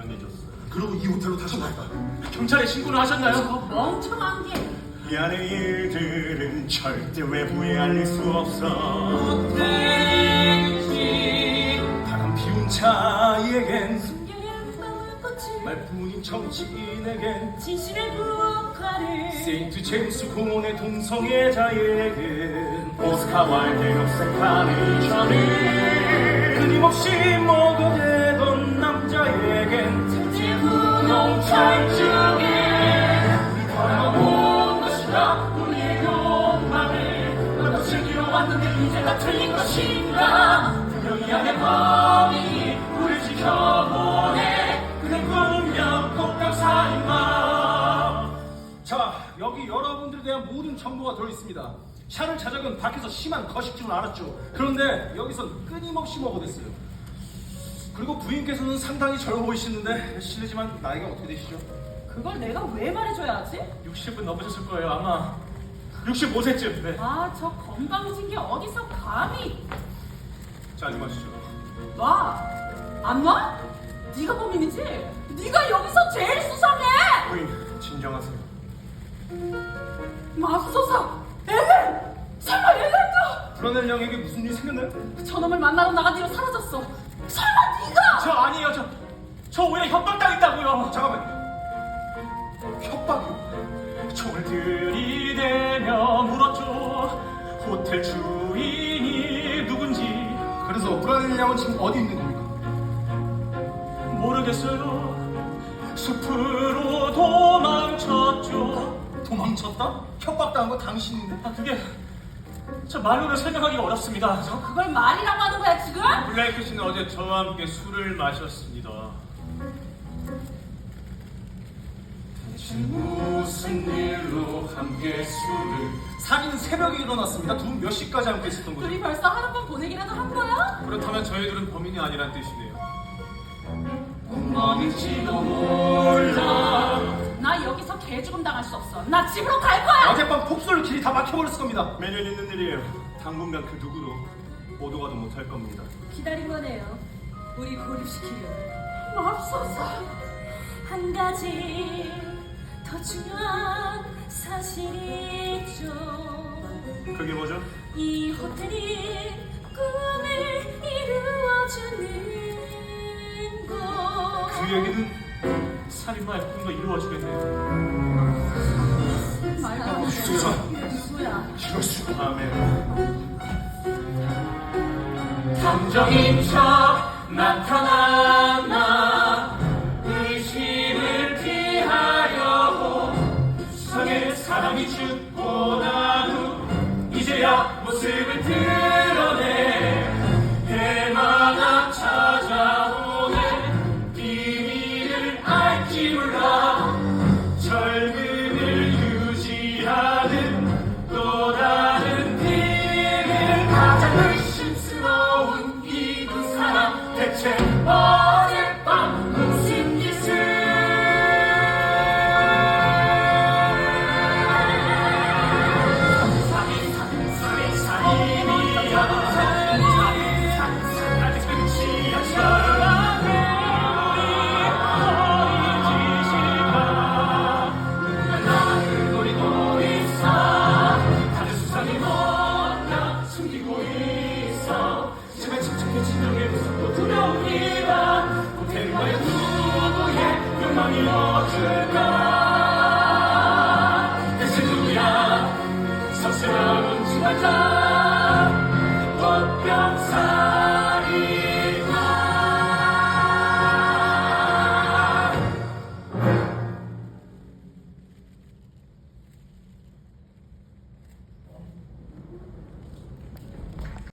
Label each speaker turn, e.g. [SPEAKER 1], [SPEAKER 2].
[SPEAKER 1] 보내줬어요.
[SPEAKER 2] 그리고 이 호텔로 다시 왔다.
[SPEAKER 3] 경찰에 신고를 하셨나요?
[SPEAKER 4] 저 멍청한 게.
[SPEAKER 1] 이 안의 일들은 절대 외부에 알릴 수 없어.
[SPEAKER 4] 못되지.
[SPEAKER 1] 바람 피운 자에겐,
[SPEAKER 4] 숨겨야 무거울 꽃을.
[SPEAKER 1] 말뿐인 정치인에겐,
[SPEAKER 4] 진실의 부엌화를.
[SPEAKER 1] 세인트 제임스 공원의 동성애자에겐, 오스카 와일드의 역사 카네이션을 끊임없이 먹어대던 남자에겐,
[SPEAKER 4] 천재 분홍 철쭉에.
[SPEAKER 1] 걸어온 것이라 우리의 욕망을 너도 즐기러 왔는데 이제가 틀린 것인가. 분명히 안의 범인이 우릴 지켜보네. 그는 분명 폭력사인마.
[SPEAKER 2] 자, 여기 여러분들에 대한 모든 정보가 들어있습니다. 샤를 자작은 밖에서 심한 거식증을 알았죠. 그런데 여기선 끊임없이 먹어댔어요. 그리고 부인께서는 상당히 젊어 보이시는데 실례지만 나이가 어떻게 되시죠?
[SPEAKER 4] 그걸 내가 왜 말해줘야 하지?
[SPEAKER 3] 60은 넘으셨을 거예요. 아마 65세쯤. 네.
[SPEAKER 4] 아, 저 건방진 게 어디서 감히.
[SPEAKER 1] 자, 좀 하시죠.
[SPEAKER 4] 와, 안 와? 네가 범인이지? 네가 여기서 제일 수상해!
[SPEAKER 1] 부인, 진정하세요.
[SPEAKER 4] 맙소사! 엘렌! 설마 엘렌도!
[SPEAKER 2] 브라넬 양에게 무슨 일이 생겼나요?
[SPEAKER 4] 저놈을 만나러 나간 뒤로 사라졌어. 설마 네가!
[SPEAKER 3] 저 아니에요. 저 오히려 협박당했다고요.
[SPEAKER 2] 잠깐만요. 협박이요?
[SPEAKER 3] 총을 들이대며 물었죠. 호텔 주인이 누군지
[SPEAKER 2] 그래서 브라넬 양은 지금 어디 있는 겁니까?
[SPEAKER 3] 모르겠어요. 숲으로 도망쳤죠.
[SPEAKER 2] 도망쳤다? 협박당한 거 당신인데.
[SPEAKER 3] 아, 그게 저 말로는 설명하기가 어렵습니다.
[SPEAKER 4] 너 그걸 말이라고 하는 거야 지금?
[SPEAKER 1] 블레이크 씨는 어제 저와 함께 술을 마셨습니다. 무슨 일로 함께 술을?
[SPEAKER 2] 살인 새벽에 일어났습니다. 두 분 몇 시까지 함께 있었던 거죠?
[SPEAKER 4] 둘이 벌써 하룻밤 보내기라도 한 거야?
[SPEAKER 1] 그렇다면 저희들은 범인이 아니란 뜻이네요.
[SPEAKER 3] 꿈만일지도 몰라.
[SPEAKER 4] 나 여기서 개죽음 당할 수 없어. 나 집으로 갈 거야!
[SPEAKER 2] 어젯밤 폭설로 길이 다 막혀버렸을 겁니다.
[SPEAKER 1] 매년 있는 일이에요. 당분간 그 누구도 오도 가도 못할 겁니다.
[SPEAKER 4] 기다린 거네요. 우리 고립시키려. 맙소사. 한 가지 더 중요한 사실이 있죠.
[SPEAKER 1] 그게 뭐죠?
[SPEAKER 4] 이 호텔이 꿈을 이루어주는 곳.
[SPEAKER 1] 그 얘기는
[SPEAKER 3] 살인마의 꿈도 이루어주겠네요.
[SPEAKER 4] 말도
[SPEAKER 2] 주사.
[SPEAKER 4] 누구야?
[SPEAKER 2] 이럴 수가.
[SPEAKER 1] 다음에
[SPEAKER 3] 감정인 척 나타났나. 의심을 피하려고 수상의 사람이 죽고 난 후 이제야 모습을 드러내. 해마다 찾아오는 비밀을 알지 몰라. 젊음을 유지하는 또 다른 비밀. 가장 의심스러운 이 두 사람 대체 어젯밤 무슨 짓을. 살인이야. 아직 끝이 아니야. 노리고 있어. 다들 수상이 뭔가 숨기고 있어. 제발 침착해. 진정해. 무섭고 두려웁니다. 호텔과의 누구의 욕망이 어떨까.